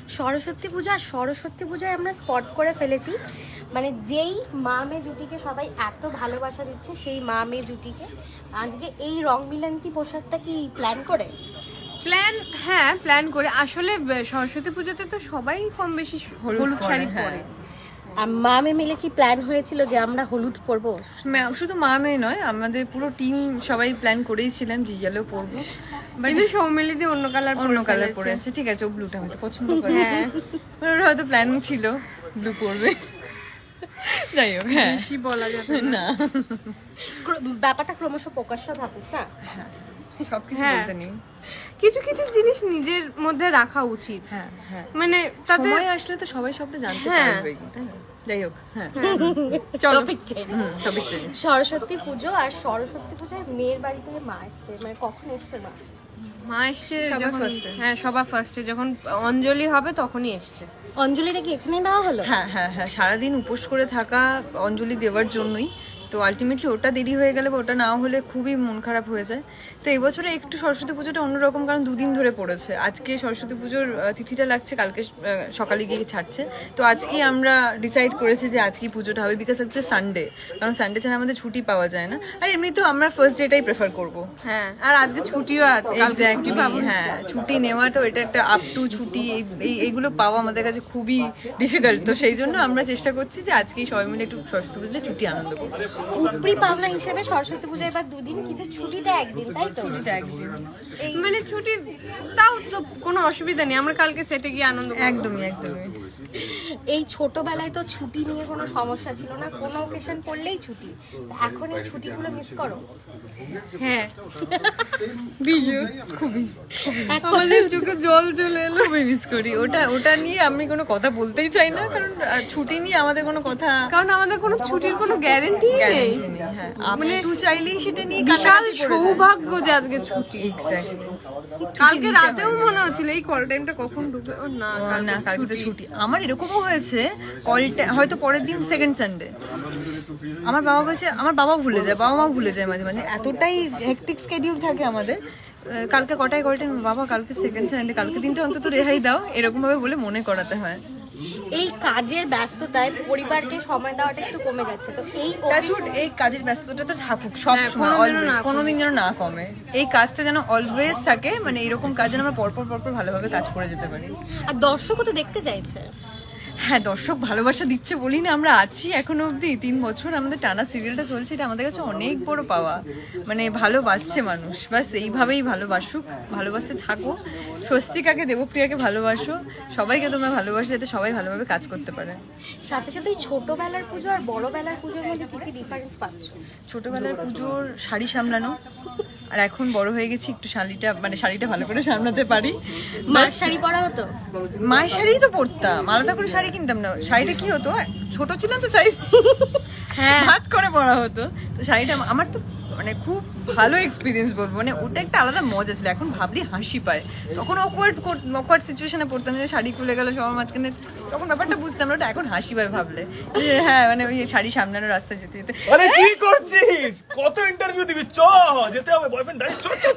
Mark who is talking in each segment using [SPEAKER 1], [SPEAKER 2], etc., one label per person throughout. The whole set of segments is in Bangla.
[SPEAKER 1] সরস্বতী পূজা, সরস্বতী পূজায় আমরা স্পট করে ফেলেছি, মানে যেই মা মেয়ে জুটিকে সবাই এত ভালোবাসা দিচ্ছে সেই মা মেয়ে জুটিকে আজকে এই রং মিলান্তি পোশাকটা কি প্ল্যান করে?
[SPEAKER 2] হ্যাঁ প্ল্যান করে। আসলে সরস্বতী পুজোতে তো সবাই কম বেশি হলুদ শাড়ি পরে।
[SPEAKER 1] আর মা মেয়ে মিলে কি প্ল্যান হয়েছিল যে আমরা হলুদ পরবো?
[SPEAKER 3] শুধু মা মেয়ে নয়, আমাদের পুরো টিম সবাই প্ল্যান করেইছিলাম যে ইয়েলো পরবো,
[SPEAKER 2] কিন্তু সৌমিলিদি অন্য কালার
[SPEAKER 3] পরে আসছে। ঠিক আছে, ও ব্লুটা আমি তো পছন্দ করি। হ্যাঁ, ওর হয়তো প্ল্যান ছিল ব্লু পরবে। যাই হোক, হ্যাঁ
[SPEAKER 2] বেশি বলা যাবে
[SPEAKER 3] না,
[SPEAKER 1] ব্যাপারটা ক্রমশ প্রকাশ্য থাকুক না।
[SPEAKER 3] সবকিছু বলতে নেই,
[SPEAKER 2] কিছু কিছু জিনিস নিজের মধ্যে রাখা উচিত।
[SPEAKER 3] হ্যাঁ হ্যাঁ,
[SPEAKER 2] মানে তাতে
[SPEAKER 3] সময় আসলে তো সবাই সবটা জানতে পারবে, তাই না? যাই হোক, হ্যাঁ
[SPEAKER 1] চলো
[SPEAKER 3] টপিক চেঞ্জ।
[SPEAKER 1] সরস্বতী পুজো আর সরস্বতী পূজায় মেয়ের বাড়ি থেকে মা এসছে, মানে কখন এসছে মা?
[SPEAKER 2] মা এসছে
[SPEAKER 3] সবার first এ।
[SPEAKER 2] হ্যাঁ সবার ফার্স্টে যখন অঞ্জলি হবে তখনই এসছে।
[SPEAKER 1] অঞ্জলিটা কি এখানে দেওয়া হলো?
[SPEAKER 3] হ্যাঁ হ্যাঁ হ্যাঁ, সারাদিন উপোস করে থাকা অঞ্জলি দেওয়ার জন্যই। তো আলটিমেটলি ওটা দেরি হয়ে গেলে বা ওটা না হলে খুবই মন খারাপ হয়ে যায়। তো এবছরে একটু সরস্বতী পুজোটা অন্যরকম, কারণ দুদিন ধরে পড়েছে। আজকে সরস্বতী পুজোর তিথিটা লাগছে, কালকে সকালে গিয়ে ছাড়ছে। তো আজকেই আমরা ডিসাইড করেছি যে আজকেই পুজোটা হবে, বিকজ হচ্ছে সানডে, কারণ সানডে ছাড়া আমাদের ছুটি পাওয়া যায় না। আর এমনিতেও আমরা ফার্স্ট ডেটাই প্রেফার করবো।
[SPEAKER 2] হ্যাঁ, আর আজকে ছুটিও আছে, কালকে ছুটি পাবো।
[SPEAKER 3] হ্যাঁ, ছুটি নেওয়া তো এটা একটা আপ টু ছুটি, এইগুলো পাওয়া আমাদের কাছে খুবই ডিফিকাল্ট। তো সেই জন্য আমরা চেষ্টা করছি যে আজকেই সবাই মিলে একটু সরস্বতী পুজোতে ছুটি আনন্দ করবো।
[SPEAKER 1] উপরি পাওনা হিসেবে সরস্বতী পূজায় এবার দুদিন, কিন্তু ছুটিটা একদিন, তাই তো?
[SPEAKER 3] ছুটিটা একদিন,
[SPEAKER 2] মানে ছুটি তাও তো কোনো অসুবিধা নেই, আমরা কালকে সেটে গিয়ে আনন্দ করবো।
[SPEAKER 3] একদমই একদমই।
[SPEAKER 1] এই ছোটবেলায় তো ছুটি নিয়ে কোনো সমস্যা ছিল না, কোনো অকেশন পড়লেই ছুটি। তো এখন এই ছুটিগুলো মিস করো?
[SPEAKER 2] হ্যাঁ বিজু খুবই, আমাদের চোখে জল চলে এলো।
[SPEAKER 3] খুবই মিস করি ওটা নিয়ে আমি কোনো কথা বলতেই চাই না, কারণ ছুটি নিয়ে আমাদের কোনো কথা,
[SPEAKER 2] কারণ আমাদের কোনো ছুটির কোনো গ্যারান্টি নেই।
[SPEAKER 3] guarantee নেই। হ্যাঁ, মানে একটু চাইলেই সেটা নিয়ে
[SPEAKER 2] বিশাল সৌভাগ্য যে আজকে ছুটি।
[SPEAKER 3] এক্স্যাক্টলি।
[SPEAKER 2] কালকে রাতেও মনে হচ্ছিল এই কল টাইমটা কখন ঢুকে, ও না
[SPEAKER 3] না, কালকে তো ছুটি। আমার এরকমও হয়েছে, কলটা হয়তো পরের দিন সেকেন্ড সানডে, আমার বাবা বলছে, আমার বাবাও ভুলে যায়, বাবা মাও ভুলে যায় মাঝে মাঝে, এতটাই হেক্টিক স্কেডিউল থাকে আমাদের। কালকে কটায় কলটা, বাবা কালকে সেকেন্ড সানডে, কালকে দিনটা অন্তত রেহাই দাও, এরকম ভাবে বলে মনে করাতে হয়।
[SPEAKER 1] এই কাজের ব্যস্ততায় পরিবারকে সময় দেওয়াটা একটু কমে যাচ্ছে, তো
[SPEAKER 3] এই কাজের ব্যস্ততাটা তো থাকুক সব সময়, কোনোদিন যেন না কমে। এই কাজটা যেন অলওয়েজ থাকে, মানে এরকম কাজ যেন আমরা পরপর ভালোভাবে কাজ করে যেতে পারি।
[SPEAKER 1] আর দর্শকও তো দেখতে চাইছে।
[SPEAKER 3] হ্যাঁ, দর্শক ভালোবাসা দিচ্ছে বলি না আমরা আছি এখনো অবধি। 3 বছর আমাদের টানা সিরিয়ালটা চলছে, এটা আমাদের কাছে অনেক বড় পাওয়া। মানে ভালোবাসছে মানুষ, বাস এইভাবেই ভালোবাসুক, ভালোবাসতে থাকো। স্বস্তিকাকে, দেবপ্রিয়াকে ভালোবাসো, সবাইকে তোমরা ভালোবাসো, যাতে সবাই ভালোভাবে কাজ করতে পারে।
[SPEAKER 1] সাথে সাথে এই ছোটবেলার পুজো আর বড়বেলার পুজোর মধ্যে কি কি ডিফারেন্স পাচ্ছ?
[SPEAKER 3] ছোটবেলার পুজোর শাড়ি সামলানো, আর এখন বড় হয়ে গেছি, একটু শাড়িটা ভালো করে সামলাতে পারি।
[SPEAKER 1] মার শাড়ি পরা হতো?
[SPEAKER 3] মায়ের শাড়িই তো পরতাম, আলাদা করে শাড়ি কিনতাম না। শাড়িটা কি হতো, ছোট ছিলাম তো সাইজ, হ্যাঁ ভাঁজ করে পরা হতো। তো শাড়িটা আমার তো মানে খুব ভালো এক্সপিরিয়েন্স বলবো, মানে ওটা একটা আলাদা মজা ছিল। এখন ভাবলি হাসি পায়, তখন অকওয়ার্ড সিচুয়েশনে পড়তাম, যে শাড়ি খুলে গেল সবার মাঝখানে, তখন ব্যাপারটা বুঝতাম না, ওটা এখন হাসি পায় ভাবলে। যে হ্যাঁ, মানে ওই শাড়ি সামলানো রাস্তায় যেতে যেতে,
[SPEAKER 4] আরে কি করছিস? কত ইন্টারভিউ দিবি? চ যেতে হবে, বয়ফ্রেন্ড ডাই, চ চ চ।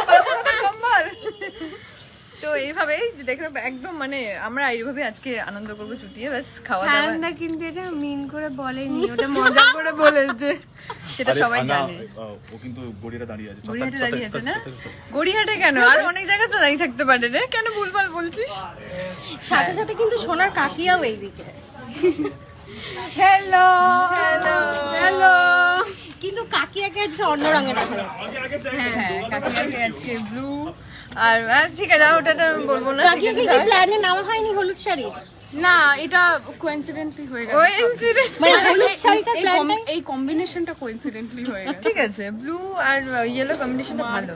[SPEAKER 3] তো এইভাবেই দেখো একদম, মানে আমরা এইভাবে আজকে আনন্দ করবো ছুটিয়ে, ব্যাস খাওয়া দাওয়া।
[SPEAKER 2] সায়নদা কিন্তু এটা মিন করে বলেনি, ওটা মজা করে বলেছে।
[SPEAKER 3] সেটা সবাই জানে।
[SPEAKER 4] ও কিন্তু গড়িয়াটা দাঁড়িয়ে আছে।
[SPEAKER 3] গড়িয়াহাটে দাঁড়িয়ে আছে না? গড়িয়াহাটে কেন, আর অনেক জায়গায় তো দাঁড়িয়ে থাকতে পারে রে, কেন ভুলভাল বলছিস?
[SPEAKER 1] সাথে সাথে কিন্তু সোনার কাকিয়াও এইদিকে।
[SPEAKER 2] Hello
[SPEAKER 3] hello
[SPEAKER 2] hello.
[SPEAKER 1] কিন্তু কাকিয়াকে আজকে অন্য রঙে দেখা যাচ্ছে।
[SPEAKER 3] হ্যাঁ, কাকিমাকে আজকে ব্লু, আর ঠিক আছে ওটা বলবো না।
[SPEAKER 1] কাকিয়াকে কি প্ল্যানে নেওয়া হয়নি হলুদ শাড়ি?
[SPEAKER 2] না, এটা কোইন্সিডেন্টলি হয়ে গেছে।
[SPEAKER 3] ওই incident।
[SPEAKER 1] মানে হলুদ শাড়িটা প্ল্যানটাই
[SPEAKER 2] এই কম্বিনেশনটা কোইন্সিডেন্টলি হয়ে গেছে।
[SPEAKER 3] ঠিক আছে, ব্লু আর ইয়েলো কম্বিনেশনটা ভালো।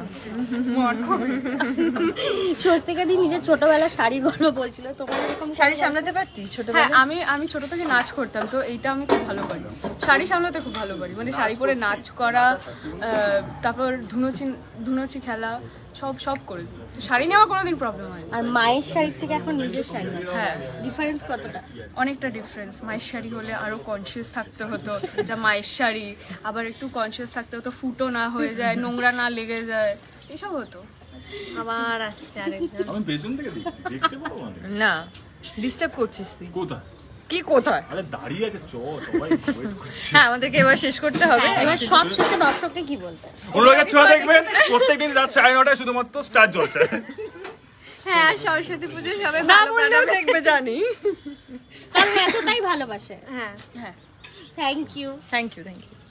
[SPEAKER 1] স্বস্তিকা দি নিজের ছোটবেলার শাড়ির গল্প বলছিল, তোমার এরকম
[SPEAKER 3] শাড়ি সামলাতে পারতিস
[SPEAKER 2] হ্যাঁ,
[SPEAKER 3] ছোটবেলায়?
[SPEAKER 2] আমি ছোট থেকে নাচ করতাম, তো এইটা আমি খুব ভালো পারি। শাড়ি সামলাতে খুব ভালো পারি, মানে শাড়ি পরে নাচ করা, তারপর ধুনুচি খেলা, সব করেছি। তো শাড়ি নিয়ে আমার কোনোদিন প্রবলেম হয় না।
[SPEAKER 1] আর মায়ের শাড়ির থেকে এখন নিজের শাড়ি,
[SPEAKER 2] হ্যাঁ,
[SPEAKER 1] ডিফারেন্স কতটা?
[SPEAKER 2] অনেকটা ডিফারেন্স। মায়ের শাড়ি হলে আরো কনসিয়াস থাকতে হতো, যা মায়ের শাড়ি, আবার একটু কনসিয়াস থাকতে হতো ফুটো না হয়ে যায়, নোংরা না লেগে যায়, এসব হতো।
[SPEAKER 1] আবার আসছে আরেকজন।
[SPEAKER 4] আমি পেছন থেকে দেখছি, দেখতে পাবো মানে
[SPEAKER 3] না ডিস্টার্ব করছিস তুই।
[SPEAKER 4] কোথায়?
[SPEAKER 3] কি কোথায়?
[SPEAKER 4] আরে দাঁড়িয়ে আছে, সবাই ওয়েট করছে।
[SPEAKER 3] হ্যাঁ আমাদেরকে এবার শেষ করতে হবে।
[SPEAKER 1] হ্যাঁ, এবার সব শেষে দর্শককে কি বলতে?
[SPEAKER 4] অনুরাগের ছোঁয়া দেখবেন প্রত্যেকদিন রাত 9:30টায় শুধুমাত্র স্টার জ্বলছে।
[SPEAKER 5] হ্যাঁ সরস্বতী পুজো সবাই
[SPEAKER 3] না
[SPEAKER 5] ভালো
[SPEAKER 3] বললেও
[SPEAKER 5] কাটাবে।
[SPEAKER 3] দেখবে জানি।
[SPEAKER 1] কারণ এতটাই ভালোবাসে।
[SPEAKER 5] হ্যাঁ
[SPEAKER 2] হ্যাঁ
[SPEAKER 1] thank you.
[SPEAKER 3] Thank you thank you.